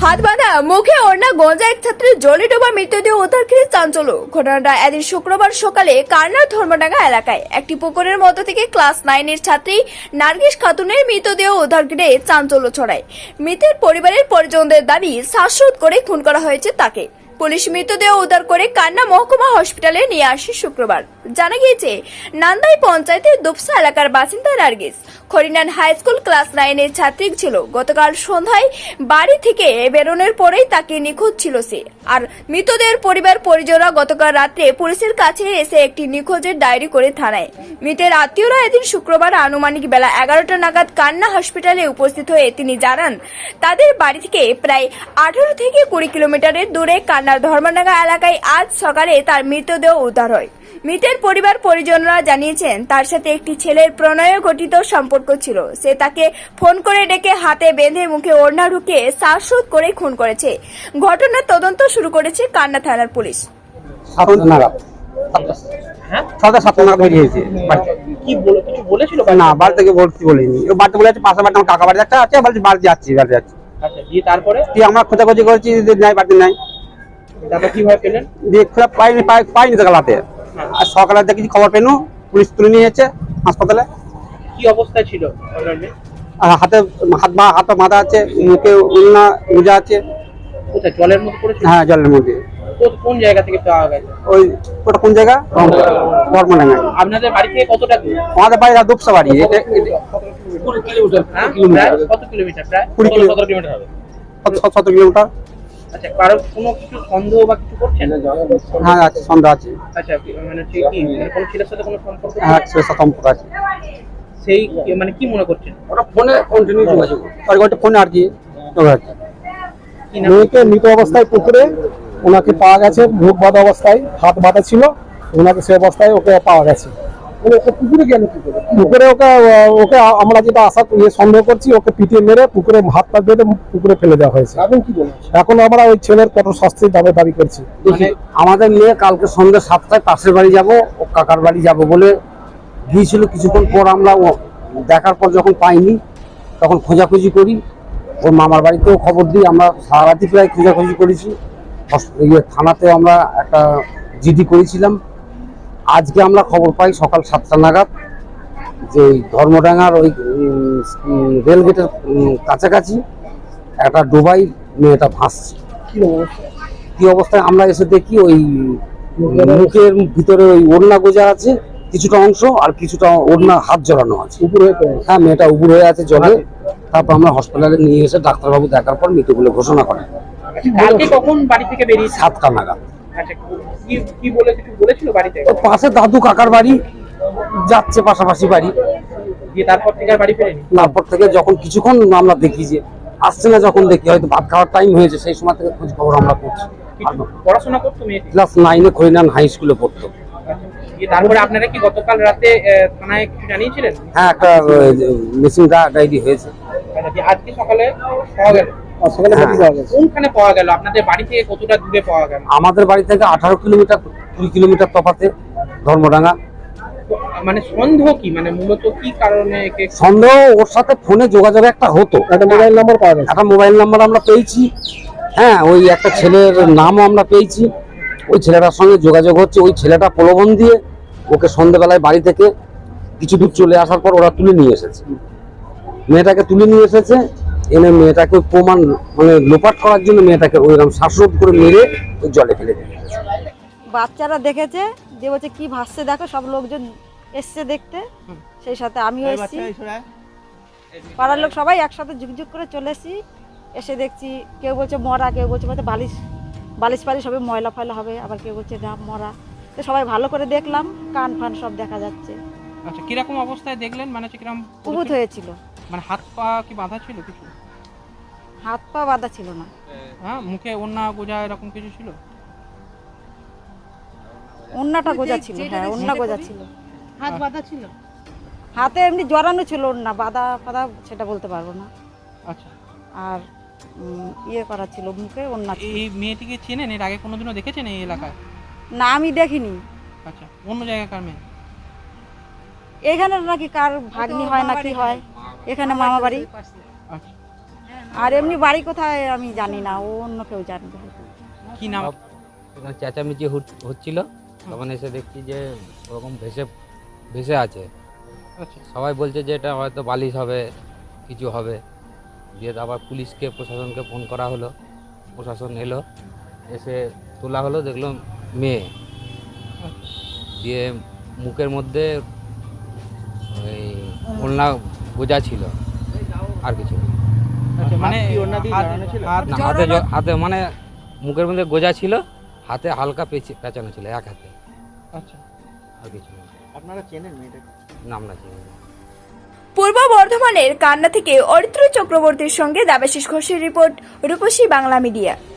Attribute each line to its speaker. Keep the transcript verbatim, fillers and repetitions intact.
Speaker 1: হাত বাঁধা মুখে ওড়না গঞ্জা এক ছাত্রের জলে ডোবা মৃতদেহ উদ্ধার করে চাঞ্চল্য। ঘটনাটা এদিন শুক্রবার সকালে কারনার ধর্মডাঙ্গা এলাকায় একটি পুকুরের মধ্য থেকে ক্লাস নাইনের ছাত্রী নার্গিস খাতুনের মৃতদেহ উদ্ধার করে চাঞ্চল্য ছড়ায়। মৃতের পরিবারের পরিজনদের দাবি শ্বাসরোধ করে খুন করা হয়েছে তাকে। পুলিশ মৃতদেহ উদ্ধার করে কান্না মহকুমা হসপিটালে নিয়ে আসে শুক্রবার। জানা গিয়েছে, নান্দাই পঞ্চায়েতের দুপসা এলাকার বাসিন্দা Nargis Kharinan high school class নাইনের ছাত্রী ছিল। গতকাল সন্ধ্যায় বাড়ি থেকে বেরোনোর পরেই তাকে নিখোঁজ ছিল সে। আর মৃতদেহের পরিবার পরিজনরা গতকাল রাত্রে পুলিশের কাছে এসে একটি নিখোঁজের ডায়েরি করে থানায়। মৃতের আত্মীয়রা এদিন শুক্রবার আনুমানিক বেলা এগারোটা নাগাদ কান্না হসপিটালে উপস্থিত হয়ে তিনি জানান, তাদের বাড়ি থেকে প্রায় আঠারো থেকে কুড়ি কিলোমিটারের দূরে কান্নার ধর্মডাঙ্গা এলাকায় আজ সকালে তার মৃতদেহ উদ্ধার হয়। মৃতের পরিবার পরিজনরা জানিয়েছেন, তার সাথে একটি ছেলের প্রণয় গঠিত সম্পর্ক ছিল। সে তাকে ফোন করে ডেকে হাতে বেঁধে মুখে ওড়না ঢুকিয়ে শ্বাসরোধ করে খুন করেছে। ঘটনার তদন্ত শুরু করেছে কান্না থানার পুলিশ।
Speaker 2: না, বাড়ি থেকে বলছি বলিনি, বাড়িতে বলে পাশে বাড়ি আমার কাকা বাড়ি একটা আছে, বলছি বাড়ি যাচ্ছি বাড়ি যাচ্ছি তারপরে আমরা খোঁজাখুঁজি করছি, নাই বাড়িতে নাই।
Speaker 3: তারপর কিভাবে পেলেন?
Speaker 2: দিয়ে খোঁজা পাইনি পাইনি তো কালাতে। আর সকালে দেখি খবর পেনু, পুলিশ তুলে নিয়ে যাচ্ছে হাসপাতালে।
Speaker 3: কি অবস্থায় ছিল?
Speaker 2: আর হাতে হাত বা হাত মাথা আছে, মুখে উন্না গুজা আছে।
Speaker 3: কোথায়? জলের মধ্যে পড়েছিল?
Speaker 2: হ্যাঁ, জলের মধ্যে।
Speaker 3: কোন জায়গা থেকে পাওয়া গেছে?
Speaker 2: ওই ওটা কোন জায়গা? বর্মডাঙ্গা।
Speaker 3: আপনাদের বাড়ি থেকে কতটা দূর?
Speaker 2: আমাদের বাড়ি দুপসা বাড়ি। এটা
Speaker 3: কুড়ি কিলোমিটার। কত কিলোমিটার? প্রায়
Speaker 2: কুড়ি
Speaker 3: সতেরো কিলোমিটার হবে।
Speaker 2: সতেরো কিলোমিটার।
Speaker 3: আচ্ছা, কারো কোনো কিছু সন্দেহ বা কিছু করছেন?
Speaker 2: হ্যাঁ আছে, সন্দেহ আছে।
Speaker 3: আচ্ছা, মানে কি কোন ছেলের সাথে কোনো সম্পর্ক?
Speaker 2: হ্যাঁ, ছেলের সাথে সম্পর্ক আছে।
Speaker 3: সেই মানে কি মনে করছেন?
Speaker 2: ওটা ফোনে কন্টিনিউ যোগাযোগ, আর ওটা ফোনে আর কি যোগাযোগ।
Speaker 3: কি নাম?
Speaker 4: মেয়েকে মৃত অবস্থায় পুকুরে ওনাকে পাওয়া গেছে, মুখ বাঁধা অবস্থায়, হাত বাঁধা ছিল ওনাকে, সে অবস্থায় ওকে পাওয়া গেছে। পুকুরে গেল কি করে? পুকুরে ওকে ওকে আমরা যেটা আশা ইয়ে সন্দেহ করছি, ওকে পিটিয়ে মেরে পুকুরে হাত পা বেঁধে পুকুরে ফেলে দেওয়া হয়েছে। এখন কি বলছে? এখন আমরা ওই ছেলের কঠোর শাস্তির দাবি দাবি করছি।
Speaker 2: মানে আমাদের মেয়ে কালকে সন্ধ্যে সাতটায় পাশের বাড়ি যাব, ও কাকার বাড়ি যাব বলে গিয়েছিল। কিছুক্ষণ পর আমরা ও দেখার পর যখন পাইনি, তখন খোঁজাখুঁজি করি। ওর মামার বাড়িতেও খবর দিই, আমরা সারা রাতি প্রায় খোঁজাখুঁজি করেছি। ইয়ে থানাতেও আমরা একটা জিডি করেছিলাম। আজকে আমরা খবর পাই সকাল সাতটা নাগাদ যে ধর্মডাঙ্গার ওই রেলগেটের কাছাকাছি একটা ডোবাই মেয়েটা ভাসছে। কি অবস্থায় আমরা এসে দেখি, ওই মুখের ভিতরে ওই ওড়না গোজা আছে কিছুটা অংশ, আর কিছুটা ওড়না হাত জড়ানো আছে উপরে। হ্যাঁ, মেয়েটা উপর হয়ে আছে জলে। তারপর আমরা হসপিটালে নিয়ে এসে ডাক্তারবাবু দেখার পর মৃত বলে ঘোষণা করেন।
Speaker 3: কালকে কখন বাড়ি থেকে বেরিয়েছে?
Speaker 2: সাতটা নাগাদ।
Speaker 3: আচ্ছা, কি কি বলে কিছু বলেছিল বাড়ি থেকে?
Speaker 2: পাশে দাদু কাকার বাড়ি যাচ্ছে, পাশাপাশি বাড়ি।
Speaker 3: দিয়ে তারপর থেকে আর বাড়ি ফেরেনি?
Speaker 2: তারপর থেকে যখন কিছুক্ষণ আমরা দেখি যে আসছে না, যখন দেখি হয়তো ভাত খাওয়ার টাইম হয়েছে, সেই সময় থেকে খোঁজ খবর আমরা করছি।
Speaker 3: পড়াশোনা করতো মেয়েটি?
Speaker 2: ক্লাস নাইনে খরিনান হাই স্কুলে পড়তো।
Speaker 3: তারপরে আপনারা কি গতকাল রাতে থানায় কিছু জানিয়েছিলেন?
Speaker 2: হ্যাঁ, একটা মিসিং ডায়েরি হয়েছে।
Speaker 3: আজকে সকালে পাওয়া গেল? কোনখানে পাওয়া গেল? আপনাদের বাড়ি থেকে কতটা দূরে পাওয়া গেল?
Speaker 2: আমাদের বাড়ি থেকে আঠারো কিলোমিটার কুড়ি কিলোমিটার তফাতে ধর্মডাঙ্গা।
Speaker 3: মানে সন্দেহ কি, মানে মূলত কি কারণে?
Speaker 2: সন্দেহ ওর সাথে ফোনে যোগাযোগ একটা হতো,
Speaker 4: একটা মোবাইল নাম্বার পাওয়া গেছে।
Speaker 2: একটা মোবাইল নাম্বার আমরা পেয়েছি। হ্যাঁ, ওই একটা ছেলের নামও আমরা পেয়েছি। ওই ছেলেটার সঙ্গে যোগাযোগ হচ্ছে। ওই ছেলেটা প্রলোভন দিয়ে ওকে সন্ধ্যেবেলায় বাড়ি থেকে কিছু দূর চলে আসার পর ওরা তুলে নিয়ে এসেছে, মেয়েটাকে তুলে নিয়ে এসেছে। এনে মেয়েটাকে প্রমাণ মানে লোপাট করার জন্য মেয়েটাকে ওইরকম শ্বাসরোধ করে মেরে ওই জলে ফেলে দিয়েছে।
Speaker 5: বাচ্চারা দেখেছে, যে বলছে কি ভাসছে দেখো, সব লোকজন এসছে দেখতে, সেই সাথে আমিও এসেছি। পাড়ার লোক সবাই একসাথে ঝুকঝুক করে চলে এসেছি। এসে দেখছি কেউ বলছে মরা, কেউ বলছে বলছে বালিশ বালিশ পালিশ হবে, ময়লা ফয়লা হবে, আবার কেউ বলছে না মরা। তো সবাই ভালো করে দেখলাম, কান ফান সব দেখা যাচ্ছে।
Speaker 3: আচ্ছা, কিরকম অবস্থায় দেখলেন? মানে কিরকম
Speaker 5: উবুত হয়েছিল?
Speaker 3: মানে হাত পা কি বাঁধা ছিল? কিছু
Speaker 5: হাত পা বাঁধা ছিল না।
Speaker 3: হ্যাঁ, মুখে ওড়না গোজা এরকম কিছু ছিল?
Speaker 5: ওড়নাটা গোজা ছিল। হ্যাঁ, ওড়না গোজা ছিল।
Speaker 6: হাত বাঁধা ছিল?
Speaker 5: হাতে এমনি জড়ানো ছিল ওড়না, বাঁধা ফাঁধা সেটা বলতে পারবো না।
Speaker 3: আচ্ছা,
Speaker 5: আর ইয়ে করা ছিল, মুখে ওড়না।
Speaker 3: এই মেয়েটিকে চেনেন? এর আগে কোনোদিনও দেখেছেন এই এলাকায়?
Speaker 5: না, আমি দেখিনি।
Speaker 3: আচ্ছা, অন্য জায়গাকার মেয়ে?
Speaker 5: এখানে নাকি কার ভাগ্নি হয় না কি হয়, এখানে মামা বাড়ি।
Speaker 3: আচ্ছা,
Speaker 5: আর এমনি বাড়ি কোথায় আমি জানি না, ও অন্য কেউ জানবে।
Speaker 3: কি নাম?
Speaker 6: এখানে চেঁচামেচি হট- হচ্ছিল, তখন এসে দেখছি যে ওরকম ভেসে ভেসে আছে।
Speaker 3: আচ্ছা
Speaker 6: সবাই বলছে যে এটা হয়তো বালিশ হবে, কিছু হবে। দিয়ে আবার পুলিশকে প্রশাসনকে ফোন করা হলো, প্রশাসন এলো, এসে তোলা হলো, দেখলো মেয়ে। দিয়ে মুখের মধ্যে ওই ওড়না গোজা ছিল, আর কিছু না।
Speaker 3: আচ্ছা মানে হাত- হাত-
Speaker 6: না, হাতে জ- হাতে মানে মুখের মধ্যে গোজা ছিল, হাতে হালকা পেঁচে পেঁচানো ছিল এক হাতে,
Speaker 3: আচ্ছা
Speaker 6: আর কিছু না।
Speaker 3: আপনারা চেনেন মেয়েটাকে?
Speaker 6: না, আমরা চিনি না।
Speaker 1: পূর্ব বর্ধমানের কান্না থেকে অরিত্র চক্রবর্তীর সঙ্গে দেবাশিস ঘোষের রিপোর্ট, রূপসী বাংলা মিডিয়া।